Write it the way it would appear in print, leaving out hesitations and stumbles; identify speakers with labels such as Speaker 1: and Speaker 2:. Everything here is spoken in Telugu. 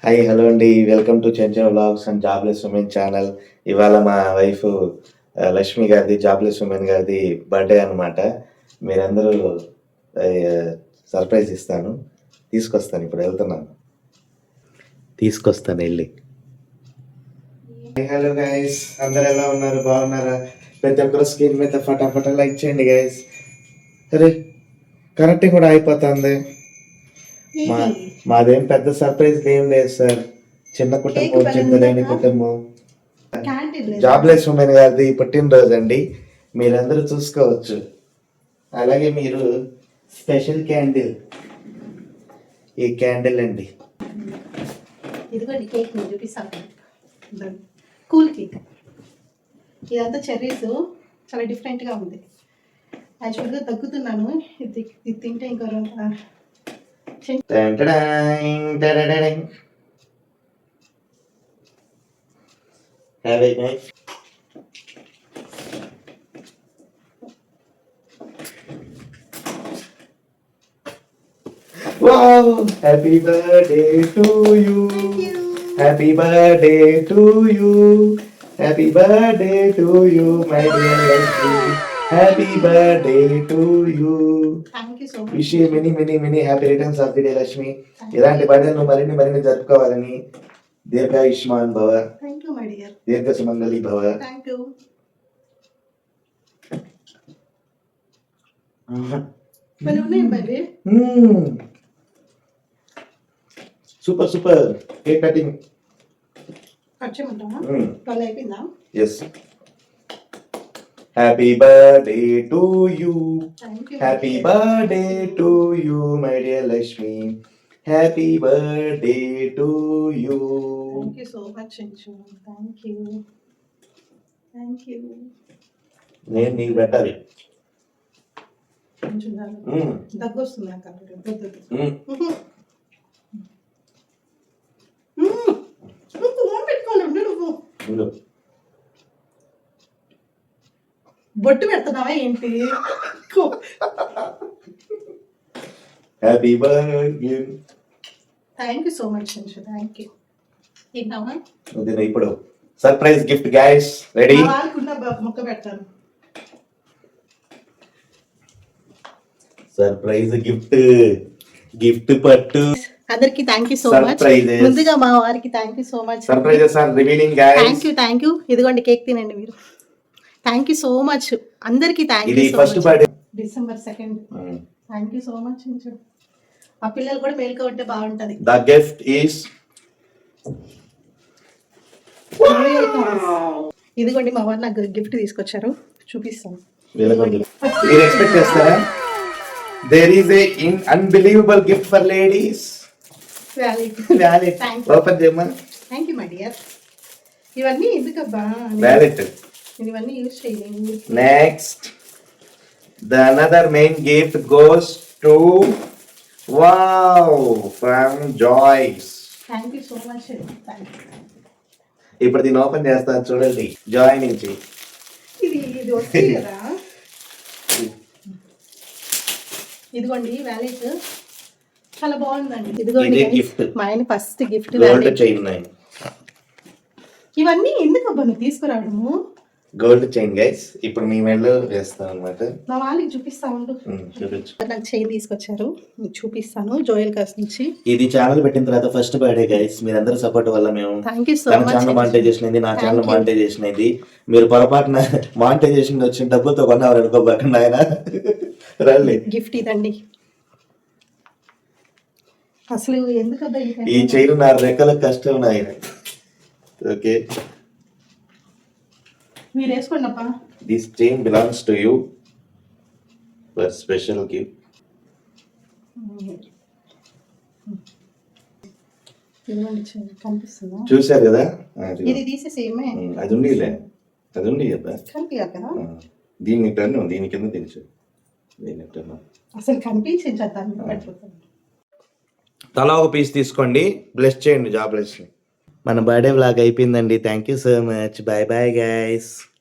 Speaker 1: హాయ్ హలో అండి, welcome to Chenchan vlogs and jobless women channel. ఇవాళ మా వైఫ్ లక్ష్మి గారిది, జాబ్లెస్ ఉమెన్ గారిది బర్త్డే అనమాట. మీరందరూ సర్ప్రైజ్ ఇస్తాను, తీసుకొస్తాను. ఇప్పుడు వెళ్తున్నాను, తీసుకొస్తాను వెళ్ళి. హలో గైస్, అందరు ఎలా ఉన్నారు? బాగున్నారా? ప్రతి ఒక్కరు స్క్రీన్ మీద ఫటాఫట లైక్ చేయండి గైస్. అరే కరెక్ట్ కూడా అయిపోతుంది. మాదేం పెద్ద సర్ప్రైజ్ ఏం లేదు సార్. చిన్న కుటుంబం, చింతలేని కుటుంబం. జాబ్లెస్ ఉమెన్ గారిది పుట్టినరోజు అండి, మీరందరూ చూసుకోవచ్చు. అలాగే మీరు స్పెషల్ క్యాండిల్, ఈ క్యాండిల్ అండి.
Speaker 2: ఇదిగోండి కేక్ నేను చూపిస్తాను. Cool cake. ఇదంతా చెర్రీస్, చాలా డిఫరెంట్గా ఉంది. యాక్చువల్గా తగ్గుతున్నాను, ఇది తింటే ఇంకో
Speaker 1: Have a nice. Wow! Happy birthday to you. Happy birthday to you. Happy birthday to you, my dear Lakshmi. Happy birthday to you.
Speaker 2: Thank you so much.
Speaker 1: Wish you many happy returns of the day, Lakshmi. ఇలాంటి బర్త్డేలు మరిన్ని జరుపుకోవాలని. దీర్ఘాయుష్మాన్ భవ.
Speaker 2: Thank you, my dear.
Speaker 1: దీర్ఘ సుమంగళి భవ.
Speaker 2: Thank you. మరి ఉన్నాయి మరి.
Speaker 1: Super cake cutting.
Speaker 2: కట్ చేయమంటావా? వాళ్ళు అయిపోయిందా?
Speaker 1: Yes. Happy birthday to you. Happy birthday to you, my dear Lakshmi. Happy birthday to you.
Speaker 2: Thank you so much Anchu. Thank you.
Speaker 1: నేను నీకు పెట్టాలి.
Speaker 2: దగ్గు వస్తుంది నాకు. నువ్వు బొట్టు పెడుతున్నావా ఏంటి?
Speaker 1: Happy birthday.
Speaker 2: Thank you so much Anchu. Thank you. తిన్నావా?
Speaker 1: ఇప్పుడు సర్ప్రైజ్ గిఫ్ట్ గైస్. రెడీ?
Speaker 2: మొక్క పెడతాను.
Speaker 1: సర్ప్రైజ్ గిఫ్ట్ పట్టు.
Speaker 2: అందరికి థ్యాంక్ యూ సో మచ్. ముందుగా మా వారికి thank you so much.
Speaker 1: Surprises are revealing guys.
Speaker 2: Thank you. ఇదిగోండి కేక్ తినండి మీరు. థ్యాంక్ యూ సో మచ్ అందరికి. Thank you.
Speaker 1: First birthday
Speaker 2: December 2nd. Thank you so much. ఆ పిల్లలు కూడా మేలుకో ఉంటే బాగుంటది.
Speaker 1: ద గిఫ్ట్ ఈస్
Speaker 2: ఇదిగోండి మా వారు నాకు గిఫ్ట్ తీసుకొచ్చారు, చూపిస్తాను.
Speaker 1: మీరు ఎక్స్పెక్ట్ చేస్తారా? There is a unbelievable gift for ladies. Wallet. Open చేయమా.
Speaker 2: Thank you my dear. ఇవన్నీ ఎందుకబ్బా?
Speaker 1: వ్యాలెట్.
Speaker 2: ఇవన్నీ యూజ్ చేయలేదు.
Speaker 1: Next the another main gift goes to from Joyce.
Speaker 2: Thank you so much.
Speaker 1: ఇప్పుడు దీన్ని ఓపెన్ చేస్తాను చూడండి. జాయ్ నుంచి
Speaker 2: ఇది వస్తుంది కదా. ఇదిగోండి వ్యాలెట్, చాలా బాగుందండి. ఇదిగోండి
Speaker 1: గిఫ్ట్.
Speaker 2: మా ఆయన ఫస్ట్ గిఫ్ట్
Speaker 1: గోల్డ్ చైన్.
Speaker 2: ఇవన్నీ ఎందుకబ్బా నువ్వు తీసుకురావడము?
Speaker 1: Gold chain guys. ఇప్పుడు మీ మెడలో వేస్తాం అన్నమాట.
Speaker 2: నా వాళ్ళకి చూపిస్తా ఉండు.
Speaker 1: చూపించు.
Speaker 2: నాకు చైన్ తీసుకొచ్చారు, చూపిస్తాను. జోయల్ కాస్ నుంచి.
Speaker 1: ఇది ఛానల్ పెట్టిన తర్వాత ఫస్ట్ బర్త్డే గైస్. మీరందరూ సపోర్ట్ వల్ల మేము
Speaker 2: thank you so much.
Speaker 1: Channel monetization అయింది, నా ఛానల్ మానిటైజేషన్ అయింది. మీరు పొరపాటున మానిటైజేషన్ వచ్చిన డబ్బులతో కొన్నారు అనుకోబోకండి ఆయన. రండి,
Speaker 2: గిఫ్ట్ ఇదండి. అసలు ఎందుకబ్బా
Speaker 1: ఈ చైన్ నా రెక్కల కష్టం నాయన. ఓకే,
Speaker 2: మీరు వేసుకోండి అప్ప.
Speaker 1: This chain belongs to you for special gift.
Speaker 2: కనిపిస్తుందా?
Speaker 1: చూశారు కదా?
Speaker 2: ఇది తీసేసి
Speaker 1: అది ఉండిలే, అది ఉండి కదా. దీన్ని టర్న్, దీని కింద తెలుసు. దీన్ని టర్న్
Speaker 2: అసలు కనిపించింది.
Speaker 1: తలా ఒక పీస్ తీసుకోండి, బ్లెస్ చేయండి. Job bless. మన బర్త్డే వ్లాగ్ అయిపోయిందండి. Thank you so much. Bye bye guys.